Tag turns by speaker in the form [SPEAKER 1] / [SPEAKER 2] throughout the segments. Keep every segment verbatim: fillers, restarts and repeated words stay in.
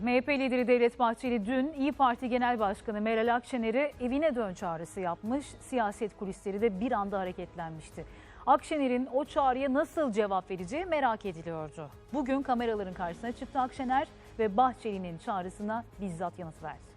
[SPEAKER 1] M H P lideri Devlet Bahçeli dün İYİ Parti Genel Başkanı Meral Akşener'e evine dön çağrısı yapmış. Siyaset kulisleri de bir anda hareketlenmişti. Akşener'in o çağrıya nasıl cevap vereceği merak ediliyordu. Bugün kameraların karşısına çıktı Akşener ve Bahçeli'nin çağrısına bizzat yanıt verdi.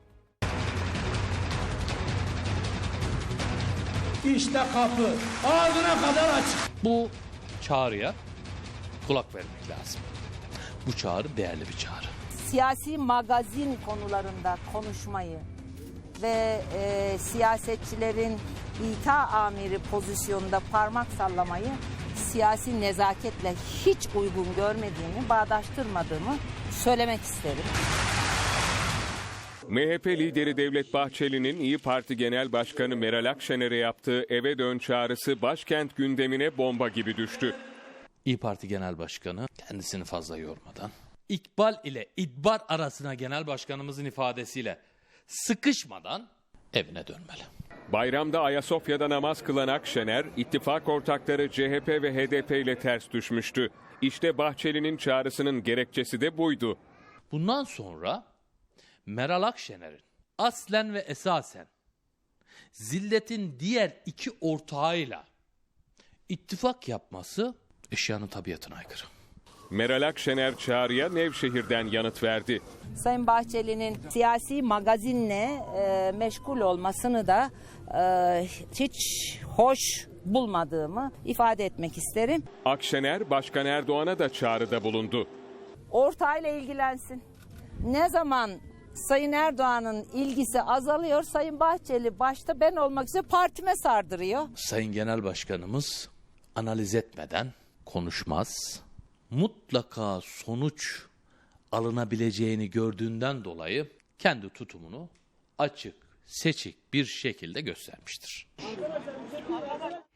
[SPEAKER 2] İşte kapı ağzına kadar açık.
[SPEAKER 3] Bu çağrıya kulak vermek lazım. Bu çağrı değerli bir çağrı.
[SPEAKER 4] Siyasi magazin konularında konuşmayı ve e, siyasetçilerin İK amiri pozisyonunda parmak sallamayı siyasi nezaketle hiç uygun görmediğimi, bağdaştırmadığımı söylemek isterim.
[SPEAKER 5] M H P lideri Devlet Bahçeli'nin İYİ Parti Genel Başkanı Meral Akşener'e yaptığı eve dön çağrısı başkent gündemine bomba gibi düştü.
[SPEAKER 3] İYİ Parti Genel Başkanı kendisini fazla yormadan, İkbal ile İdbar arasına genel başkanımızın ifadesiyle sıkışmadan evine dönmeli.
[SPEAKER 5] Bayramda Ayasofya'da namaz kılan Akşener, ittifak ortakları C H P ve H D P ile ters düşmüştü. İşte Bahçeli'nin çağrısının gerekçesi de buydu.
[SPEAKER 3] Bundan sonra Meral Akşener'in aslen ve esasen zilletin diğer iki ortağıyla ittifak yapması eşyanın tabiatına aykırı.
[SPEAKER 5] Meral Akşener çağrıya Nevşehir'den yanıt verdi.
[SPEAKER 4] Sayın Bahçeli'nin siyasi magazinle e, meşgul olmasını da e, hiç hoş bulmadığımı ifade etmek isterim.
[SPEAKER 5] Akşener, Başkan Erdoğan'a da çağrıda bulundu.
[SPEAKER 4] Ortağıyla ilgilensin. Ne zaman Sayın Erdoğan'ın ilgisi azalıyor, Sayın Bahçeli başta ben olmak üzere partime sardırıyor.
[SPEAKER 3] Sayın Genel Başkanımız analiz etmeden konuşmaz. Mutlaka sonuç alınabileceğini gördüğünden dolayı kendi tutumunu açık, seçik bir şekilde göstermiştir.